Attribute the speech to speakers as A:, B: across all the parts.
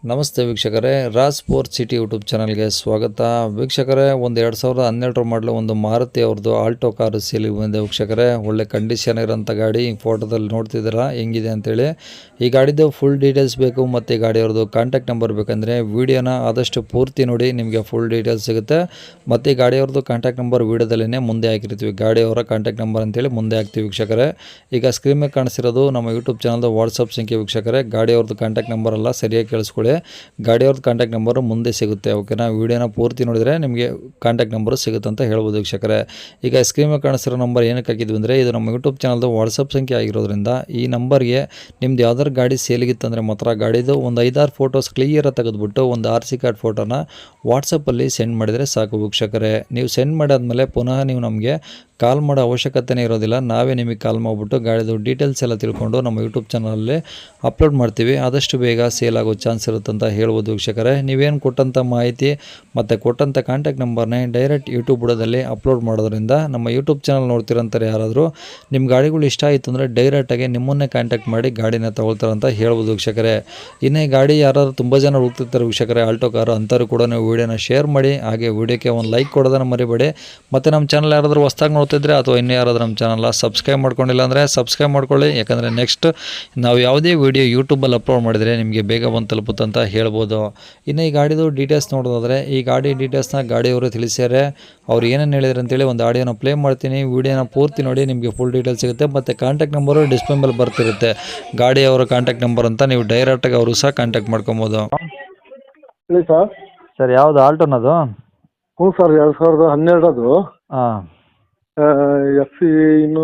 A: ನಮಸ್ತೆ ವೀಕ್ಷಕರೇ, Raj sports city YouTube ಚಾನಲ್ಗೆ ಸ್ವಾಗತ. ವೀಕ್ಷಕರೇ, ಒಂದು 2012 ಮಾಡಲು ಒಂದು ಮಾರುತಿ ಅವ್ರದ್ದು ಆಲ್ಟೋ ಕಾರು ಸೇಲಿಗೆ ಬಂದಿದೆ ವೀಕ್ಷಕರೇ. ಒಳ್ಳೆ ಕಂಡೀಷನ್ ಇರೋಂಥ ಗಾಡಿ ಫೋಟೋದಲ್ಲಿ ನೋಡ್ತಿದ್ದೀರಾ ಹೆಂಗಿದೆ ಅಂತೇಳಿ. ಈ ಗಾಡಿದು ಫುಲ್ ಡೀಟೇಲ್ಸ್ ಬೇಕು ಮತ್ತು ಗಾಡಿಯವ್ರದ್ದು ಕಾಂಟ್ಯಾಕ್ಟ್ ನಂಬರ್ ಬೇಕಂದರೆ ವೀಡಿಯೋನ ಆದಷ್ಟು ಪೂರ್ತಿ ನೋಡಿ, ನಿಮಗೆ ಫುಲ್ ಡೀಟೇಲ್ಸ್ ಸಿಗುತ್ತೆ. ಮತ್ತು ಈ ಗಾಡಿಯವ್ರದ್ದು ಕಾಂಟ್ಯಾಕ್ಟ್ ನಂಬರ್ ವೀಡಿಯೋದಲ್ಲೇ ಮುಂದೆ ಹಾಕಿರ್ತೀವಿ, ಗಾಡಿಯವರ ಕಾಂಟ್ಯಾಕ್ಟ್ ನಂಬರ್ ಅಂತೇಳಿ ಮುಂದೆ ಹಾಕ್ತೀವಿ ವೀಕ್ಷಕರೇ. ಈಗ ಸ್ಕ್ರೀನ್ ಮೇಲೆ ಕಾಣಿಸಿರೋದು ನಮ್ಮ ಯೂಟ್ಯೂಬ್ ಚಾನಲ್ದು ವಾಟ್ಸಪ್ ಸಂಖ್ಯೆ ವೀಕ್ಷಕರೇ. ಗಾಡಿಯವ್ರದ್ದು ಕಾಂಟ್ಯಾಕ್ಟ್ ನಂಬರ್ ಎಲ್ಲ ಸರಿಯಾಗಿ ಕೇಳಿಸ್ಕೊಳ್ಳಿ, ಗಾಡಿಯವ್ರದ್ದು ಕಾಂಟ್ಯಾಕ್ಟ್ ನಂಬರು ಮುಂದೆ ಸಿಗುತ್ತೆ. ಓಕೆನಾ, ವೀಡಿಯೋನ ಪೂರ್ತಿ ನೋಡಿದರೆ ನಿಮಗೆ ಕಾಂಟ್ಯಾಕ್ಟ್ ನಂಬರು ಸಿಗುತ್ತೆ ಅಂತ ಹೇಳ್ಬೋದು ವೀಕ್ಷಕರೇ. ಈಗ ಸ್ಕ್ರೀನ್ ಮೇಲೆ ಕಾಣಿಸಿರೋ ನಂಬರ್ ಏನಕ್ಕೆ ಹಾಕಿದ್ವಿ ಅಂದರೆ, ಇದು ನಮ್ಮ ಯೂಟ್ಯೂಬ್ ಚಾನಲ್ದು ವಾಟ್ಸಪ್ ಸಂಖ್ಯೆ ಆಗಿರೋದ್ರಿಂದ ಈ ನಂಬರ್ಗೆ ನಿಮ್ದು ಯಾವ್ದಾದ್ರು ಗಾಡಿ ಸೇಲಿಗಿತ್ತಂದರೆ ಮಾತ್ರ ಗಾಡಿದು ಒಂದು 5-6 ಫೋಟೋಸ್ ಕ್ಲಿಯರಾಗಿ ತೆಗೆದುಬಿಟ್ಟು ಒಂದು RC ಕಾರ್ಡ್ ಫೋಟೋನ ವಾಟ್ಸಪ್ಪಲ್ಲಿ ಸೆಂಡ್ ಮಾಡಿದರೆ ಸಾಕು ವೀಕ್ಷಕರೇ. ನೀವು ಸೆಂಡ್ ಮಾಡಾದ್ಮೇಲೆ ಪುನಃ ನೀವು ನಮಗೆ ಕಾಲ್ ಮಾಡೋ ಅವಶ್ಯಕತೆನೇ ಇರೋದಿಲ್ಲ. ನಾವೇ ನಿಮಗೆ ಕಾಲ್ ಮಾಡಿಬಿಟ್ಟು ಗಾಡಿದು ಡೀಟೇಲ್ಸ್ ಎಲ್ಲ ತಿಳ್ಕೊಂಡು ನಮ್ಮ ಯೂಟ್ಯೂಬ್ ಚಾನಲಲ್ಲಿ ಅಪ್ಲೋಡ್ ಮಾಡ್ತೀವಿ. ಆದಷ್ಟು ಬೇಗ ಸೇಲ್ ಆಗೋ ಚಾನ್ಸ್ ಇರುತ್ತಂತ ಹೇಳ್ಬೋದು ವೀಕ್ಷಕರೇ. ನೀವೇನು ಕೊಟ್ಟಂಥ ಮಾಹಿತಿ ಮತ್ತು ಕೊಟ್ಟಂಥ ಕಾಂಟ್ಯಾಕ್ಟ್ ನಂಬರ್ನೇ ಡೈರೆಕ್ಟ್ ಯೂಟ್ಯೂಬ್ ಬುಡದಲ್ಲಿ ಅಪ್ಲೋಡ್ ಮಾಡೋದ್ರಿಂದ ನಮ್ಮ ಯೂಟ್ಯೂಬ್ ಚಾನಲ್ ನೋಡ್ತಿರೋಂಥವ್ರು ಯಾರಾದರೂ ನಿಮ್ಮ ಗಾಡಿಗಳು ಇಷ್ಟ ಆಯಿತು ಅಂದರೆ ಡೈರೆಕ್ಟಾಗಿ ನಿಮ್ಮನ್ನೇ ಕಾಂಟ್ಯಾಕ್ಟ್ ಮಾಡಿ ಗಾಡಿನ ತೊಗೊಳ್ತಾರಂತ ಹೇಳ್ಬೋದು ವೀಕ್ಷಕರೇ. ಇನ್ನೇ ಗಾಡಿ ಯಾರಾದರೂ ತುಂಬ ಜನ ಹೋಗ್ತಿರ್ತಾರೆ ವೀಕ್ಷಕರೇ, ಆಲ್ಟೋ ಕಾರು, ಅಂಥವ್ರು ಕೂಡ ನೀವು ವೀಡಿಯೋನ ಶೇರ್ ಮಾಡಿ, ಹಾಗೆ ವೀಡಿಯೋಕ್ಕೆ ಒಂದು ಲೈಕ್ ಕೊಡೋದನ್ನು ಮರಿಬೇಡಿ. ಮತ್ತು ನಮ್ಮ ಚಾನಲ್ ಯಾರಾದರೂ ಹೊಸ್ದಾಗಿ ನೋಡ್ತಿದ್ರೆ ಅಥವಾ ಇನ್ನೂ ಯಾರಾದರೂ ನಮ್ಮ ಚಾನಲ್ನ ಸಬ್ಸ್ಕ್ರೈಬ್ ಮಾಡ್ಕೊಂಡಿಲ್ಲ ಅಂದರೆ ಸಬ್ಸ್ಕ್ರೈಬ್ ಮಾಡ್ಕೊಳ್ಳಿ. ಯಾಕಂದರೆ ನೆಕ್ಸ್ಟ್ ನಾವು ಯಾವುದೇ ವೀಡಿಯೋ ಯೂಟ್ಯೂಬಲ್ಲಿ ಅಪ್ಲೋಡ್ ಮಾಡಿದರೆ ನಿಮಗೆ ಬೇಗ ಬಂದು ತಲುಪುತ್ತಂತ ಹೇಳ್ಬೋದು. ಇನ್ನು ಈ ಗಾಡಿದು ಡೀಟೇಲ್ಸ್ ನೋಡೋದಾದರೆ, ಈ ಗಾಡಿ ಡೀಟೇಲ್ಸ್ನ ಗಾಡಿಯವರು ತಿಳಿಸ್ಯಾರೆ. ಅವ್ರು ಏನೇನು ಹೇಳಿದ್ರು ಅಂತೇಳಿ ಒಂದು ಆಡಿಯೋನ ಪ್ಲೇ ಮಾಡ್ತೀನಿ, ವೀಡಿಯೋನ ಪೂರ್ತಿ ನೋಡಿ, ನಿಮಗೆ ಫುಲ್ ಡೀಟೇಲ್ಸ್ ಸಿಗುತ್ತೆ. ಮತ್ತು ಕಾಂಟ್ಯಾಕ್ಟ್ ನಂಬರು ಡಿಸ್ಪ್ಲೇ ಮೇಲೆ ಬರ್ತಿರುತ್ತೆ, ಗಾಡಿಯವರ ಕಾಂಟ್ಯಾಕ್ಟ್ ನಂಬರ್ ಅಂತ. ನೀವು ಡೈರೆಕ್ಟಾಗಿ ಅವರು ಸಹ ಕಾಂಟ್ಯಾಕ್ಟ್ ಮಾಡ್ಕೊಬೋದು.
B: ಹೇಳಿ ಸರ್.
A: ಸರ್, ಯಾವುದು ಆಲ್ಟೋನದು?
B: ಹ್ಞೂ ಸರ್, 2012
A: ಹಾಂ,
B: ಎಫ್ ಸಿ ಇನ್ನು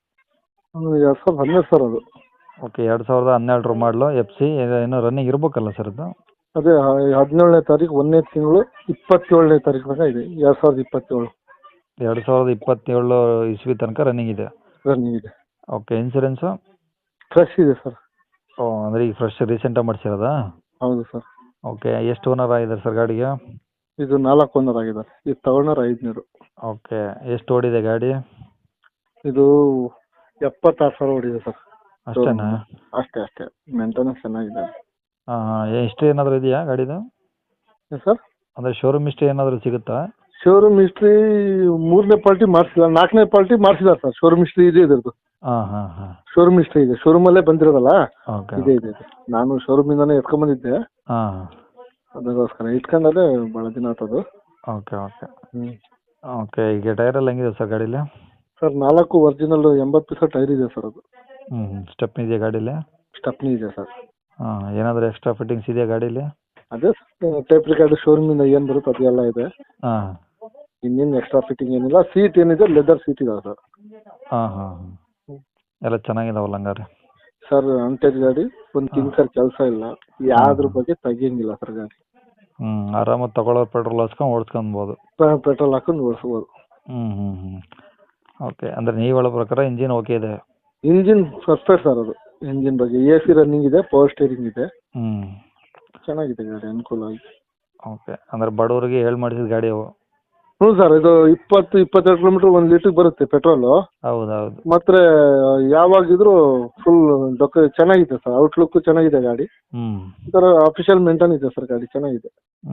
B: 2012 ಸರ್ ಅದು.
A: ಓಕೆ, 2012 ಮಾಡಲು FC ಇನ್ನೂ ರನ್ನಿಂಗ್ ಇರಬೇಕಲ್ಲ ಸರ್ ಅದು?
B: ಅದೇ 17ನೇ ತಾರೀಕು 1ನೇ ತಿಂಗಳು 27ನೇ ತಾರೀಕು ತನಕ ಇದೆ. 2027
A: 2027 ಇಸ್ವಿ ತನಕ ರನ್ನಿಂಗ್ ಇದೆ.
B: ರನ್ನಿಂಗ್ ಇದೆ.
A: Okay, insurance?
B: ಫ್ರೆಶ್ ಇದೆ ಸರ್.
A: ಓ, ಅಂದರೆ ಈಗ ಫ್ರೆಶ್ ರೀಸೆಂಟಾಗಿ ಮಾಡಿಸಿರೋದಾ?
B: ಹೌದು ಸರ್.
A: ಓಕೆ, ಎಷ್ಟು ಓನರ್ ಆಗಿದ್ದಾರೆ ಸರ್ ಗಾಡಿಗೆ?
B: ಇದು 4 ಓನರ್ ಆಗಿದ್ದಾರೆ. ಇದು ತಗೊಂಡ್ರೆ 500.
A: ಓಕೆ, ಎಷ್ಟು ಓಡಿದೆ ಗಾಡಿ?
B: ಇದು 76,000 ಓಡಿದೆ ಸರ್.
A: ಅಷ್ಟೇನಾ?
B: ಅಷ್ಟೇ ಮೇಂಟೆನೆನ್ಸ್ ಚೆನ್ನಾಗಿದೆ.
A: ಹಾಂ ಹಾಂ, ಹಿಸ್ಟ್ರಿ ಏನಾದರೂ ಇದೆಯಾ ಗಾಡಿದು?
B: ಸರ್,
A: ಅಂದರೆ ಶೋರೂಮ್ ಹಿಸ್ಟ್ರಿ ಏನಾದರೂ ಸಿಗುತ್ತಾ?
B: ಶೋರೂಮ್ ಹಿಸ್ಟ್ರಿ 3ನೇ ಪಾರ್ಟಿ ಮಾಡಿಸಿಲ್ಲ, 4ನೇ ಪಾರ್ಟಿ ಮಾಡಿಸಿಲ್ಲ ಸರ್. ಶೋರೂಮ್ ಹಿಸ್ಟ್ರಿ ಇದೆ ಇದ್ರದ್ದು.
A: ಹಾಂ ಹಾಂ ಹಾಂ,
B: ಶೋರೂಮ್ ಹಿಸ್ಟ್ರಿ ಇದೆ, ಶೋರೂಮಲ್ಲೇ ಬಂದಿರೋದಲ್ಲ.
A: ಓಕೆ
B: ಇದೆ. ನಾನು ಶೋರೂಮಿಂದಾನೇ ಎತ್ಕೊಂಡ್ಬಂದಿದ್ದೆ,
A: ಹಾಂ,
B: ಅದಕ್ಕೋಸ್ಕರ ಇಟ್ಕೊಂಡಲ್ಲೇ ಭಾಳ ದಿನ ಆಗ್ತದು.
A: Okay okay okay. ಈಗ ಟೈರೆಲ್ಲ ಹೆಂಗಿದೆ ಸರ್ ಗಾಡೀಲಿ?
B: ಸರ್, 4 ಒರಿಜಿನಲ್ 80% ಟೈರ್ ಇದೆ ಸರ್. ಅದು
A: ಸ್ಟೆಪ್ನಿ ಇದೆಯಾ ಗಾಡೀಲಿ?
B: ಸ್ಟೆಪ್ನಿ ಇದೆ ಸರ್.
A: ಹಾಂ, ಏನಾದರೂ ಎಕ್ಸ್ಟ್ರಾ ಫಿಟ್ಟಿಂಗ್ಸ್ ಇದೆಯಾ ಗಾಡೀಲಿ?
B: ಅದೇ ಟೇಪ್ ರಿಕಾರ್ಡ್ ಶೋರೂಮಿಂದ ಏನು ಬರುತ್ತೆ ಅದೆಲ್ಲ ಇದೆ.
A: ಹಾಂ,
B: ಇನ್ನೇನು ಎಕ್ಸ್ಟ್ರಾ ಫಿಟ್ಟಿಂಗ್ ಏನಿಲ್ಲ. ಸೀಟ್ ಏನಿದೆ ಲೆದರ್ ಸೀಟ್ ಇದಾವೆ ಸರ್.
A: ಹಾಂ ಹಾಂ ಹಾಂ, ಎಲ್ಲ ಚೆನ್ನಾಗಿದಾವಲ್ಲ ಹಂಗಾರೆ?
B: ಸರ್, ಅಂಟೇಜ್ ಗಾಡಿ, ಒಂದು ಕಿಂಕರ್ ಕೆಲಸ ಇಲ್ಲ, ಯಾವ್ದ್ರ ಬಗ್ಗೆ ತೆಗಿಯಂಗಿಲ್ಲ ಸರ್ ಗಾಡಿ.
A: ಆರಾಮಾಗಿ ತಗೊಳ್ಳೋ ಪೆಟ್ರೋಲ್ ಹಾಕ್ಸ್ಕೊಂಡು ಓಡಿಸ್ಕೊಬೋದು.
B: ಪೆಟ್ರೋಲ್ ಹಾಕೊಂಡು ಓಡಿಸ್ಬೋದು.
A: ಓಕೆ, ಅಂದರೆ ನೀವು ಹೇಳೋ ಪ್ರಕಾರ ಇಂಜಿನ್ ಓಕೆ ಇದೆ?
B: Engine perfect sir. ಅದು ಇಂಜಿನ್ ಬಗ್ಗೆ AC ರನ್ನಿಂಗ್ ಇದೆ, ಪವರ್ ಸ್ಟೇರಿಂಗ್ ಇದೆ, ಚೆನ್ನಾಗಿದೆ ಗಾಡಿ, ಅನುಕೂಲ ಆಗಿದೆ.
A: ಓಕೆ, ಅಂದರೆ ಬಡವರಿಗೆ ಹೇಳಿ ಮಾಡಿಸಿದ ಗಾಡಿ ಅವು?
B: ಹ್ಞೂ ಸರ್, ಇದು 20-22 ಕಿಲೋಮೀಟರ್ 1 ಲೀಟ್ರಿಗೆ ಬರುತ್ತೆ ಪೆಟ್ರೋಲು.
A: ಹೌದೌದು.
B: ಮತ್ತೆ ಯಾವಾಗಿದ್ರು ಫುಲ್ ಚೆನ್ನಾಗಿದೆ ಸರ್. ಔಟ್ಲುಕ್ ಚೆನ್ನಾಗಿದೆ ಗಾಡಿ. ಈ ಥರ ಅಫಿಷಿಯಲ್ ಮೇಂಟೈನ್ ಇದೆ ಸರ್ ಗಾಡಿ, ಚೆನ್ನಾಗಿದೆ.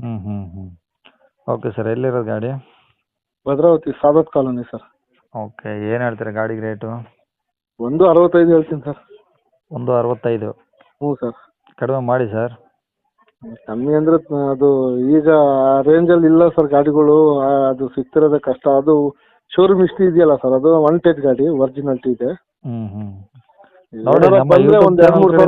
A: ಓಕೆ ಸರ್, ಎಲ್ಲಿರೋದು ಗಾಡಿ?
B: Bhadravati Saadat colony sir.
A: Okay, ಏನು ಹೇಳ್ತೀರಾ ಗಾಡಿಗೆ ರೇಟು?
B: 165 ಹೇಳ್ತೀನಿ ಸರ್.
A: 165?
B: ಹ್ಞೂ ಸರ್.
A: ಕಡಿಮೆ ಮಾಡಿ ಸರ್.
B: ಕಮ್ಮಿ ಅಂದರೆ ಅದು ಈಗ ಆ ರೇಂಜಲ್ಲಿ ಇಲ್ಲ ಸರ್ ಗಾಡಿಗಳು. ಅದು ಸಿಗ್ತಿರೋದೇ ಕಷ್ಟ. ಅದು ಶೋರೂಮ್ ಇಷ್ಟು ಇದೆಯಲ್ಲ ಸರ್, ಅದು 1 ಟಚ್ ಗಾಡಿ, ಒರಿಜಿನಾಲಿಟಿ ಇದೆ.
A: ನೋಡಿ, ನಮ್ಮ ಯೂಟ್ಯೂಬ್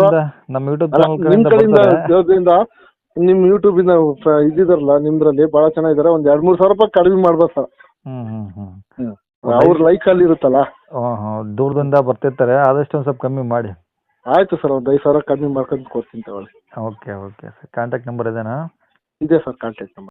B: ದೇವದಿಂದ ನಿಮ್ಮ ಯೂಟ್ಯೂಬಿಂದ ಇದ್ದಿದಾರಲ್ಲ ನಿಮ್ದ್ರಲ್ಲಿ ಭಾಳ ಚೆನ್ನಾಗಿದ್ದಾರೆ. ಒಂದು 2-3 ಸಾವಿರ ರೂಪಾಯಿ ಕಡಿಮೆ ಮಾಡ್ಬೋದು ಸರ್. ಅವ್ರ ಲೈಕಲ್ಲಿ ಇರುತ್ತಲ್ಲ.
A: ದೂರದಿಂದ ಬರ್ತಿರ್ತಾರೆ, ಆದಷ್ಟು ಒಂದು ಸ್ವಲ್ಪ ಕಮ್ಮಿ ಮಾಡಿ.
B: ಆಯಿತು ಸರ್, ಒಂದು 5 ಸಾವಿರ ಕಡಿಮೆ ಮಾಡ್ಕೊಂಡು ಕೊಡ್ತೀನಿ ತಗೊಳ್ಳಿ.
A: Okay okay sir, contact number ಇದೇನಾ?
B: ಇದೆ ಸರ್ ಕಾಂಟ್ಯಾಕ್ಟ್ ನಂಬರ್.